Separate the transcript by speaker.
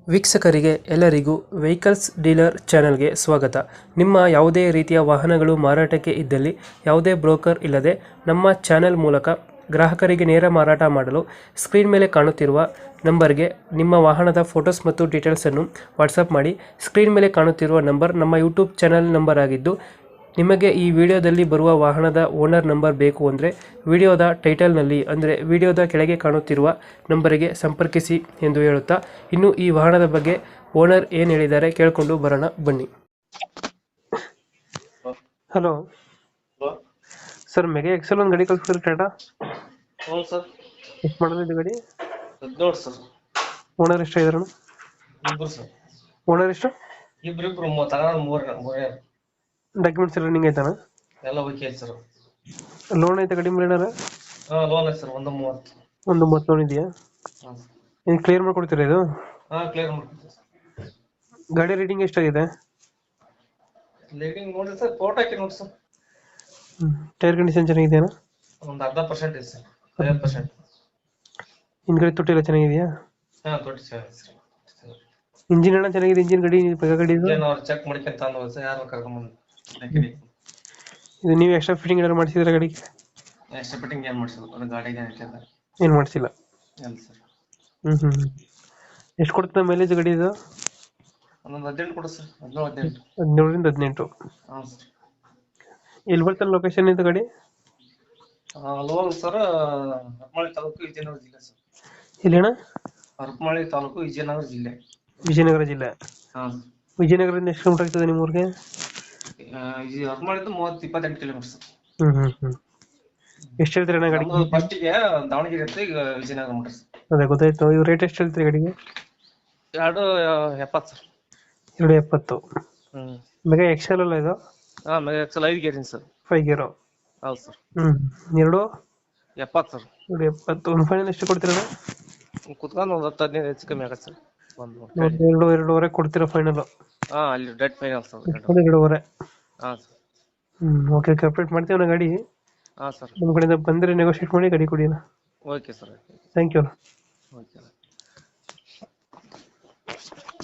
Speaker 1: ವೀಕ್ಷಕರಿಗೆ ಎಲ್ಲರಿಗೂ vehicles dealer ಚಾನೆಲ್ಗೆ ಸ್ವಾಗತ. ನಿಮ್ಮ ಯಾವುದೇ ರೀತಿಯ ವಾಹನಗಳು ಮಾರಾಟಕ್ಕೆ ಇದ್ದಲ್ಲಿ ಯಾವುದೇ ಬ್ರೋಕರ್ ಇಲ್ಲದೆ ನಮ್ಮ ಚಾನೆಲ್ ಮೂಲಕ ಗ್ರಾಹಕರಿಗೆ ನೇರ ಮಾರಾಟ ಮಾಡಲು ಸ್ಕ್ರೀನ್ ಮೇಲೆ ಕಾಣುತ್ತಿರುವ ನಂಬರ್ಗೆ ನಿಮ್ಮ ವಾಹನದ ಫೋಟೋಸ್ ಮತ್ತು ಡೀಟೇಲ್ಸನ್ನು ವಾಟ್ಸಪ್ ಮಾಡಿ. ಸ್ಕ್ರೀನ್ ಮೇಲೆ ಕಾಣುತ್ತಿರುವ ನಂಬರ್ ನಮ್ಮ ಯೂಟ್ಯೂಬ್ ಚಾನೆಲ್ ನಂಬರ್ ಆಗಿದ್ದು, ನಿಮಗೆ ಈ ವಿಡಿಯೋದಲ್ಲಿ ಬರುವ ವಾಹನದ ಓನರ್ ನಂಬರ್ ಬೇಕು ಅಂದರೆ ವಿಡಿಯೋದ ಟೈಟಲ್ನಲ್ಲಿ ಅಂದರೆ ವಿಡಿಯೋದ ಕೆಳಗೆ ಕಾಣುತ್ತಿರುವ ನಂಬರಿಗೆ ಸಂಪರ್ಕಿಸಿ ಎಂದು ಹೇಳುತ್ತಾ, ಇನ್ನು ಈ ವಾಹನದ ಬಗ್ಗೆ ಓನರ್ ಏನು ಹೇಳಿದ್ದಾರೆ ಕೇಳಿಕೊಂಡು ಬರೋಣ ಬನ್ನಿ. ಹಲೋ ಸರ್, ಮೆಗಾ ಎಕ್ಸೆಲ್ ಒಂದು ಗಾಡಿ ಕಳಿಸ್ತಾರೆ ಟಾಟಾ.
Speaker 2: ಹ್ಞೂ ಸರ್.
Speaker 1: ಎಷ್ಟು ಮಾಡೋದು ಗಾಡಿ?
Speaker 2: ನೋಡಿ ಸರ್.
Speaker 1: ಓನರ್ ಎಷ್ಟು ಇದಾರಣ?
Speaker 2: ಇಬ್ರು ಸರ್.
Speaker 1: ಓನರ್ ಎಷ್ಟು?
Speaker 2: ಇಬ್ರು ಮೂರೇ.
Speaker 1: ಡಾಕ್ಯುಮೆಂಟ್ಸ್ ಎಲ್ಲ ರನ್ನಿಂಗ್ ಆಯ್ತಾನ?
Speaker 2: ಎಲ್ಲ ಓಕೆ ಸರ್.
Speaker 1: ಲೋನ್ ಐತೆ ಗಾಡಿ ಮೇಲೆ ಏನಾರ?
Speaker 2: ಲೋನ್ ಐತೆ ಸರ್, 130.
Speaker 1: ಒಂದು 30 ಲೋನ್ ಇದೆಯಾ?
Speaker 2: ಹಾಂ
Speaker 1: ಏನು ಕ್ಲಿಯರ್ ಮಾಡ್ಕೊಡ್ತೀರಾ ಇದು?
Speaker 2: ಕ್ಲಿಯರ್ ಮಾಡ್ಕೊಡ್ತೀವಿ ಸರ್.
Speaker 1: ಗಾಡಿ ರೇಟಿಂಗ್ ಎಷ್ಟಾಗಿದೆ?
Speaker 2: ಲೀಡಿಂಗ್ ನೋಡಿ ಸರ್, ಫೋಟೋ ಹಾಕಿ ನೋಡಿ ಸರ್.
Speaker 1: ಟೈರ್ ಕಂಡೀಷನ್ ಚೆನ್ನಾಗಿದೆಯಾ?
Speaker 2: ಒಂದು 40% ಇದೆ ಸರ್, 50%.
Speaker 1: ಹಿಂದ್ಗಡೆ ತೊಟ್ಟಿ ಎಲ್ಲ ಚೆನ್ನಾಗಿದೆಯಾ?
Speaker 2: ತೊಟ್ಟಿ ಸರ್.
Speaker 1: ಇಂಜಿನ್ ಎಲ್ಲ ಚೆನ್ನಾಗಿದೆ? ಇಂಜಿನ್ ಗಾಡಿ ಗಾಡಿ ಇದು
Speaker 2: ಅವ್ರು ಚೆಕ್ ಮಾಡ್ಕೊಂತ ಅಂದ್ವಿ ಸರ್, ಯಾರು ಕರ್ಕೊಂಬಂದು
Speaker 1: ಇದು ನೀವು ಎಕ್ಸ್ಟ್ರಾ ಫಿಟ್ಟಿಂಗ್ ಏನಾದ್ರು ಮಾಡಿಸಿದ್ರೆ ಗಾಡಿಗೆ?
Speaker 2: ಎಕ್ಸ್ಟ್ರಾ ಫಿಟ್ಟಿಂಗ್ ಏನು ಮಾಡಿಸಿದ್ರು, ಅದು ಗಾಡಿಗೆ ಹಾಕಿದ್ದಾರೆ.
Speaker 1: ಏನು ಮಾಡಿಸಿಲ್ಲ?
Speaker 2: ಇಲ್ಲ ಸರ್.
Speaker 1: ಎಷ್ಟು ಕೊಡ್ತದೆ ಮೈಲೇಜ್ ಗಾಡಿ ಇದು?
Speaker 2: ಒಂದೊಂದು 18 ಕೊಡು ಸರ್, 17, 18.
Speaker 1: 17ರಿಂದ 18.
Speaker 2: ಹಾಂ ಸರ್.
Speaker 1: ಎಲ್ಲಿ ಬರ್ತಾರೆ ಲೊಕೇಶನ್ ಇದು ಗಾಡಿ?
Speaker 2: ಲೋನ್ ಸರ್, ಹರಪನಹಳ್ಳಿ ತಾಲೂಕು, ವಿಜಯನಗರ ಜಿಲ್ಲೆ ಸರ್.
Speaker 1: ಎಲ್ಲಿ ಅಣ್ಣ?
Speaker 2: ಹರಪನಹಳ್ಳಿ ತಾಲೂಕು, ವಿಜಯನಗರ ಜಿಲ್ಲೆ.
Speaker 1: ವಿಜಯನಗರ ಜಿಲ್ಲೆ.
Speaker 2: ಹಾಂ.
Speaker 1: ವಿಜಯನಗರದಿಂದ ಎಷ್ಟು ಕಿಲೋಮೀಟರ್ ಆಗ್ತದೆ ನಿಮ್ಮ ಊರಿಗೆ?
Speaker 2: ಹರಪನಹಳ್ಳಿದು 30-28 ಕಿಲೋಮೀಟರ್ ಸರ್.
Speaker 1: ಎಷ್ಟು ಹೇಳ್ತೀರಿ ಅಣ್ಣ ಗಾಡಿ?
Speaker 2: ಫಸ್ಟಿಗೆ ದಾವಣಗೆರೆ ಅಂತ, ಈಗ ವಿಜಯನಗರ ಮೀಟರ್ ಸರ್.
Speaker 1: ಅದೇ ಗೊತ್ತಾಯ್ತು. ಇವು ರೇಟ್ ಎಷ್ಟು ಹೇಳ್ತೀರಿ ಗಾಡಿಗೆ?
Speaker 2: 270 ಸರ್.
Speaker 1: 270. ಮೆಗಾ ಎಕ್ಸೆಲ್ ಅಲ್ಲ ಇದು?
Speaker 2: ಹಾಂ, ಮೆಗಾ ಎಕ್ಸೆಲ್ 5 ಗೇರಿನ ಸರ್.
Speaker 1: 5 ಗೇರು.
Speaker 2: ಹೌದು ಸರ್.
Speaker 1: 270
Speaker 2: ಸರ್.
Speaker 1: 270. ಒಂದು ಫೈನಲ್ ಎಷ್ಟು ಕೊಡ್ತೀರಾ?
Speaker 2: ಕುತ್ಕೊಂಡು ಒಂದು 10-15 ಹೆಚ್ಚು ಕಮ್ಮಿ ಆಗತ್ತೆ ಸರ್.
Speaker 1: ಎರಡೂವರೆ ಕೊಡ್ತೀರಾ ಫೈನಲ್?
Speaker 2: ಹಾಂ, ಅಲ್ಲಿ ಡೆಡ್ ಫೈನಲ್ ಸರ್.
Speaker 1: 2.5.
Speaker 2: ಹಾಂ ಸರ್.
Speaker 1: ಓಕೆ, ಅಪ್ಡೇಟ್ ಮಾಡ್ತೀವಿ ಅಣ್ಣ ಗಾಡಿ.
Speaker 2: ಹಾಂ ಸರ್.
Speaker 1: ನಮ್ಮ ಕಡೆಯಿಂದ ಬಂದರೆ ನೆಗೋಷಿಯೇಟ್ ಮಾಡಿ ಗಾಡಿ ಕೊಡಿ ಅಣ್ಣ.
Speaker 2: Okay sir.
Speaker 1: Thank you.
Speaker 2: Okay.